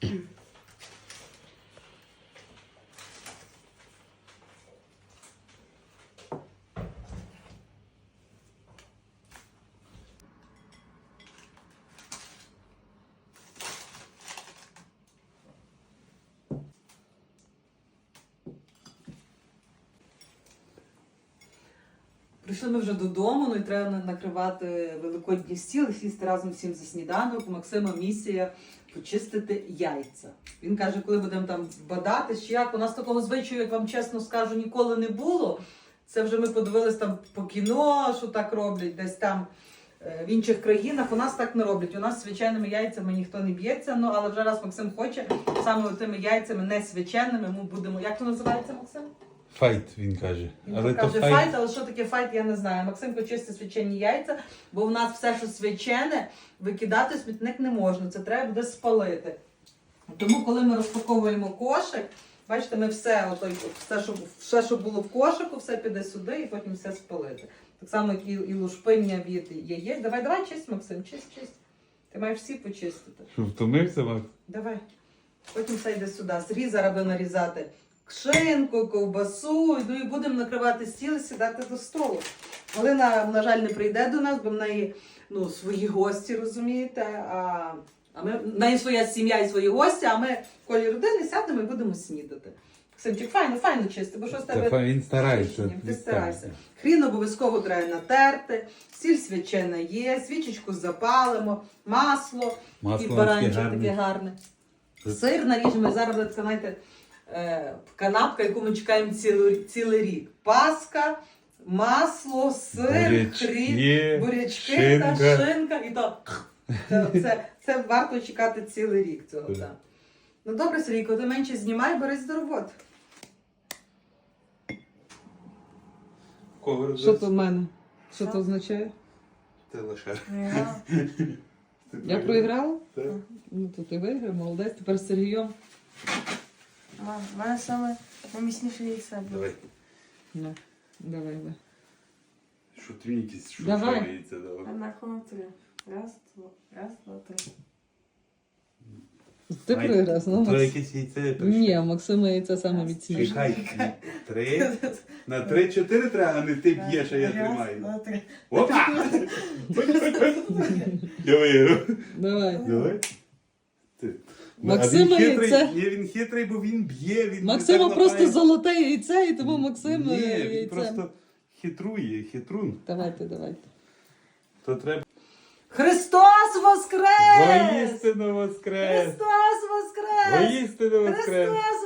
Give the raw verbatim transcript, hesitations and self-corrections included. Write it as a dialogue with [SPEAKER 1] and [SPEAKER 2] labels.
[SPEAKER 1] Прийшли ми вже додому, ну і треба накривати великодній стіл і сісти разом всім за сніданок. У Максима місія почистити яйця. Він каже, коли будемо там бадати, чи як. У нас такого звичаю, як вам чесно скажу, ніколи не було. Це вже ми подивились там по кіно, що так роблять, десь там в інших країнах. У нас так не роблять. У нас свяченими яйцями ніхто не б'ється, ну але вже раз Максим хоче, саме тими яйцями не свяченими, ми будемо... Як то називається, Максим?
[SPEAKER 2] Файт, він каже.
[SPEAKER 1] Він
[SPEAKER 2] але
[SPEAKER 1] каже
[SPEAKER 2] то
[SPEAKER 1] файт,
[SPEAKER 2] файт,
[SPEAKER 1] але що таке файт, я не знаю. Максимко чисти свячені яйця, бо в нас все, що свячене, викидати в смітник не можна. Це треба буде спалити. Тому, коли ми розпаковуємо кошик, бачите, ми все, ото, все, що, все, що було в кошику, все піде сюди і потім все спалити. Так само, як і, і лушпиння від яєць. Давай, давай, чисть, Максим, чисть, чисть. Ти маєш всі почистити.
[SPEAKER 2] Що, втомився, Макс?
[SPEAKER 1] Давай. Потім все йде сюди. Сріз зараз буде нарізати шинку, ковбасу, ну і будемо накривати стіл і сідати до столу. Галина, на жаль, не прийде до нас, бо в неї ну, свої гості, розумієте, а, а ми, в неї своя сім'я і свої гості, а ми в колі родини сядемо і будемо снідати. Максимчик, файно, файно чисти, бо що з тебе...
[SPEAKER 2] Та він старається.
[SPEAKER 1] Ти старайся. Хрін обов'язково треба натерти, сіль свячена є, свічечку запалимо, масло,
[SPEAKER 2] Масло
[SPEAKER 1] і баранчик
[SPEAKER 2] таке
[SPEAKER 1] таке гарне. Сир наріжемо, і зараз буде така, знаєте, канапка, яку ми чекаємо цілий, цілий рік. Паска, масло, сир,
[SPEAKER 2] бурячки,
[SPEAKER 1] хрін, бурячки
[SPEAKER 2] шинка.
[SPEAKER 1] та шинка. І то, це, це, це варто чекати цілий рік цього.
[SPEAKER 2] Так.
[SPEAKER 1] Так. Ну добре, Сергійко, ти менше знімай, берись до роботи.
[SPEAKER 2] Кого
[SPEAKER 1] Що то в мене? Що
[SPEAKER 3] Що?
[SPEAKER 1] то означає?
[SPEAKER 2] Ти лише.
[SPEAKER 3] Я.
[SPEAKER 1] Я проіграла?
[SPEAKER 2] Так.
[SPEAKER 1] Ну то ти виграв, молодець. Тепер з Сергієм.
[SPEAKER 3] Мам, в мене саме найміцніше яйце було.
[SPEAKER 2] Давай.
[SPEAKER 1] Ну, давай, давай.
[SPEAKER 2] Що твій якийсь, що
[SPEAKER 1] Давай.
[SPEAKER 2] шається, давай.
[SPEAKER 3] На кону три. Раз, два, раз, два, три.
[SPEAKER 1] Ти
[SPEAKER 2] Май-
[SPEAKER 1] проіграв, ну,
[SPEAKER 2] То
[SPEAKER 1] Макс.
[SPEAKER 2] якесь яйце. то
[SPEAKER 1] Ні,
[SPEAKER 2] що?
[SPEAKER 1] Максима яйця саме міцніше.
[SPEAKER 2] Чекай, три. На три-чотири треба, а не ти б'єш, а я
[SPEAKER 3] Раз,
[SPEAKER 2] тримаю.
[SPEAKER 3] два, три.
[SPEAKER 2] Опа! Я виграв.
[SPEAKER 1] Давай.
[SPEAKER 2] Давай. Ти.
[SPEAKER 1] Максима
[SPEAKER 2] А він хитрий,
[SPEAKER 1] яйце.
[SPEAKER 2] ні, він хитрий, бо він б'є, він
[SPEAKER 1] Максима
[SPEAKER 2] так
[SPEAKER 1] просто
[SPEAKER 2] лапає.
[SPEAKER 1] золоте яйце, і тому Максим
[SPEAKER 2] Ні, він
[SPEAKER 1] яйце.
[SPEAKER 2] просто хитрує, хитрун.
[SPEAKER 1] Давайте, давайте.
[SPEAKER 2] То треба
[SPEAKER 1] Христос воскрес!
[SPEAKER 2] воістину воскрес!
[SPEAKER 1] Христос воскрес!
[SPEAKER 2] Воістину воскрес!
[SPEAKER 1] Христос